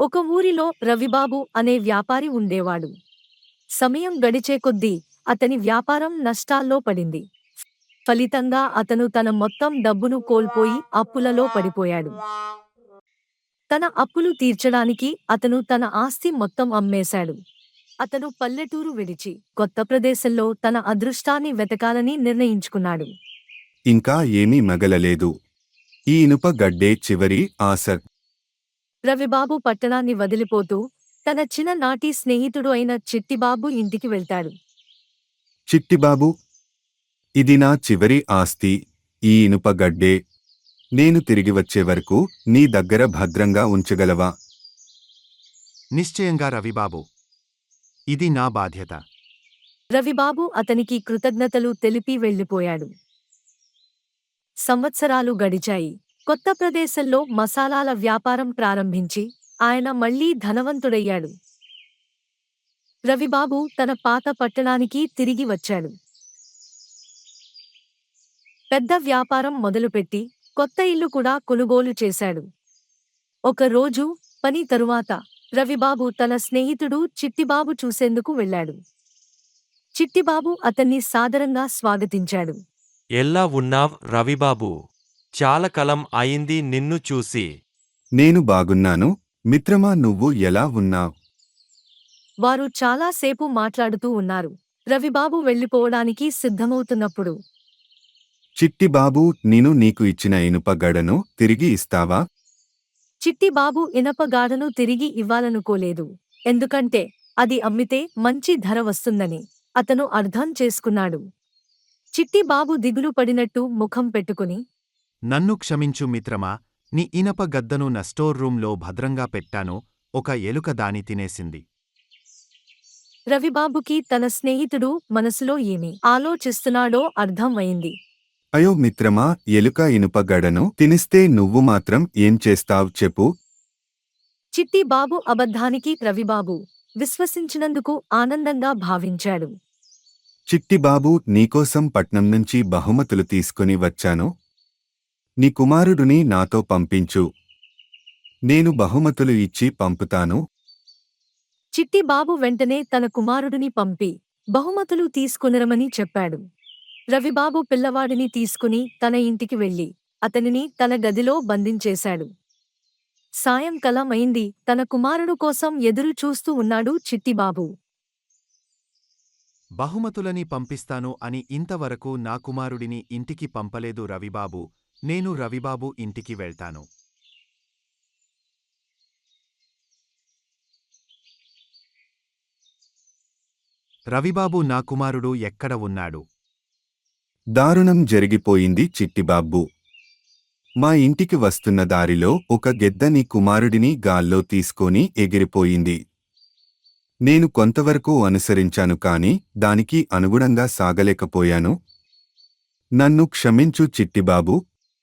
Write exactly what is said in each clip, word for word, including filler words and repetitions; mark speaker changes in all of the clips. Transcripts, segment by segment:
Speaker 1: ఒక ఊరిలో రవిబాబు అనే వ్యాపారి ఉండేవాడు. సమయం గడిచే కొద్దీ అతని వ్యాపారం నష్టాల్లో పడింది. ఫలితంగా అతను తన మొత్తం డబ్బును కోల్పోయి అప్పులలో పడిపోయాడు. తన అప్పులు తీర్చడానికి అతను తన ఆస్తి మొత్తం అమ్మేశాడు. అతను పల్లెటూరు విడిచి కొత్త ప్రదేశంలో తన అదృష్టాన్ని వెతకాలని నిర్ణయించుకున్నాడు.
Speaker 2: ఇంకా ఏమీ మగలలేదు. ఈ ఇనుప గడ్డే చివరి ఆశ.
Speaker 1: రవిబాబు పట్టణాన్ని వదిలిపోతూ తన చిన్ననాటి స్నేహితుడు అయిన చిట్టిబాబు ఇంటికి వెళ్తాడు.
Speaker 2: చిట్టిబాబు, ఇది నా చివరి ఆస్తి, ఈ ఇనుప గడ్డే. నేను తిరిగి వచ్చే వరకు నీ దగ్గర భద్రంగా ఉంచగలవా?
Speaker 3: నిశ్చయంగా రవిబాబు, ఇది నా బాధ్యత.
Speaker 1: రవిబాబు అతనికి కృతజ్ఞతలు తెలిపి వెళ్ళిపోయాడు. సంవత్సరాలు గడిచాయి. కొత్త ప్రదేశంలో మసాలాల వ్యాపారం ప్రారంభించి ఆయన మళ్లీ ధనవంతుడయ్యాడు. రవిబాబు తన పాత పట్టణానికి తిరిగి వచ్చాడు. పెద్ద వ్యాపారం మొదలుపెట్టి కొత్త ఇల్లు కూడా కొనుగోలు చేశాడు. ఒక రోజు పని తరువాత రవిబాబు తన స్నేహితుడు చిట్టిబాబు చూసేందుకు వెళ్ళాడు. చిట్టిబాబు అతన్ని సాదరంగా స్వాగతించాడు.
Speaker 4: ఎలా ఉన్నావ్ రవిబాబు? చాలా కాలం అయింది నిన్ను చూసి.
Speaker 2: నేను బాగున్నాను మిత్రమా, నువ్వు ఎలా ఉన్నావ్?
Speaker 1: వారు చాలాసేపు మాట్లాడుతూ ఉన్నారు. రవిబాబు వెళ్ళిపోవడానికి సిద్ధమవుతున్నప్పుడు
Speaker 2: చిట్టిబాబు, నేను నీకు ఇచ్చిన ఇనుప గడను తిరిగి ఇస్తావా?
Speaker 1: చిట్టిబాబు ఇనపగాడను తిరిగి ఇవ్వాలనుకోలేదు. ఎందుకంటే అది అమ్మితే మంచి ధర వస్తుందని అతను అర్థం చేసుకున్నాడు. చిట్టిబాబు దిగులు పడినట్టు ముఖం పెట్టుకుని,
Speaker 3: నన్ను క్షమించు మిత్రమా, నీ ఇనప గద్దను నా స్టోర్ రూంలో భద్రంగా పెట్టాను, ఒక ఎలుక దాని తినేసింది.
Speaker 1: రవిబాబుకి తన స్నేహితుడు మనసులో ఏమి ఆలోచిస్తున్నాడో అర్థం అయింది.
Speaker 2: అయ్యో మిత్రమా, ఎలుక ఇనుప గడను తినిస్తే నువ్వు మాత్రం ఏం చేస్తావ్ చెప్పు?
Speaker 1: చిట్టిబాబు అబద్ధానికి రవిబాబు విశ్వసించినందుకు ఆనందంగా భావించాడు.
Speaker 2: చిట్టిబాబు, నీకోసం పట్నం నుంచి బహుమతులు తీసుకుని వచ్చాను. నీ కుమారుడిని నాతో పంపించు. నేను బహుమతులు ఇచ్చి పంపుతాను.
Speaker 1: చిట్టిబాబు వెంటనే తన కుమారుడిని పంపి బహుమతులు తీసుకునిరమని చెప్పాడు. రవిబాబు పిల్లవాడిని తీసుకుని తన ఇంటికి వెళ్లి అతనిని తన గదిలో బంధించేశాడు. సాయంకాలం అయింది. తన కుమారుడు కోసం ఎదురు చూస్తూ ఉన్నాడు చిట్టిబాబు.
Speaker 3: బహుమతులని పంపిస్తాను అని ఇంతవరకు నా కుమారుడిని ఇంటికి పంపలేదు రవిబాబు. నేను రవిబాబు ఇంటికి వెళ్తాను. రవిబాబు, నా కుమారుడు ఎక్కడ ఉన్నాడు?
Speaker 2: దారుణం జరిగిపోయింది చిట్టిబాబు. మా ఇంటికి వస్తున్న దారిలో ఒక గెద్ద నీ కుమారుడిని గాల్లో తీసుకొని ఎగిరిపోయింది. నేను కొంతవరకు అనుసరించాను కాని దానికి అనుగుణంగా సాగలేకపోయాను. నన్ను క్షమించు చిట్టిబాబు.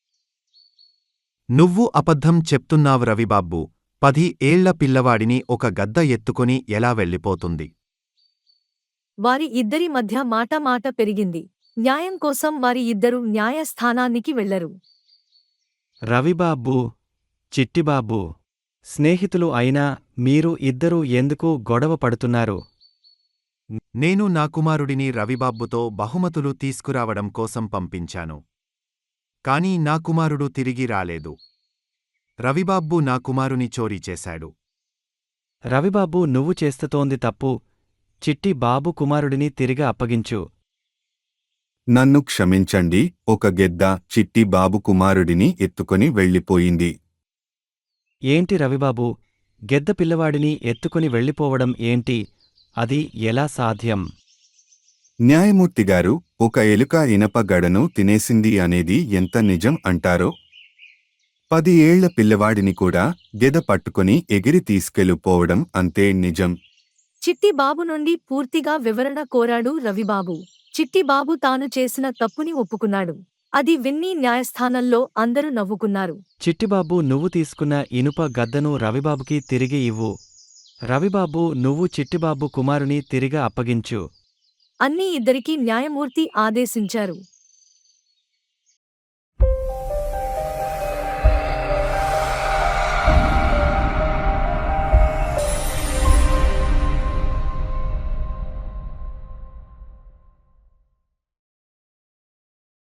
Speaker 3: నువ్వు అబద్ధం చెప్తున్నావు రవిబాబు. పది ఏళ్ల పిల్లవాడిని ఒక గద్ద ఎత్తుకొని ఎలా వెళ్ళిపోతుంది?
Speaker 1: వారి ఇద్దరి మధ్య మాట మాట పెరిగింది. న్యాయం కోసం వారి ఇద్దరు న్యాయస్థానానికి వెళ్లరు.
Speaker 5: రవిబాబు, చిట్టిబాబు, స్నేహితులు అయినా మీరు ఇద్దరూ ఎందుకు గొడవ పడుతున్నారు?
Speaker 3: నేను నా కుమారుడిని రవిబాబుతో బహుమతులు తీసుకురావడం కోసం పంపించాను. కానీ నా కుమారుడు తిరిగి రాలేదు. రవిబాబు నా కుమారుని చోరీ చేశాడు.
Speaker 5: రవిబాబు, నువ్వు చేస్తతోంది తప్పు. చిట్టి బాబు కుమారుడిని తిరిగి అప్పగించు.
Speaker 2: నన్ను క్షమించండి. ఒక గెద్ద చిట్టి బాబు కుమారుడిని ఎత్తుకొని వెళ్ళిపోయింది.
Speaker 5: ఏంటి రవిబాబు, గెద్ద పిల్లవాడిని ఎత్తుకొని వెళ్ళిపోవడం ఏంటి? అది ఎలా సాధ్యం?
Speaker 2: న్యాయమూర్తిగారు, ఒక ఎలుక ఇనప గడను తినేసింది అనేది ఎంత నిజం అంటారో? పది ఏళ్ల పిల్లవాడిని కూడా గెద పట్టుకొని ఎగిరి తీసుకెళ్ళిపోవడం అంతే నిజం.
Speaker 1: చిట్టిబాబు నుండి పూర్తిగా వివరణ కోరాడు రవిబాబు. చిట్టిబాబు తాను చేసిన తప్పుని ఒప్పుకున్నాడు. అది విన్ని న్యాయస్థానంలో అందరూ నవ్వుకున్నారు.
Speaker 5: చిట్టిబాబు, నువ్వు తీసుకున్న ఇనుప గద్దను రవిబాబుకి తిరిగి ఇవ్వు. రవిబాబు, నువ్వు చిట్టిబాబు కుమారుని తిరిగి అప్పగించు.
Speaker 1: అన్నీ ఇద్దరికీ న్యాయమూర్తి ఆదేశించారు.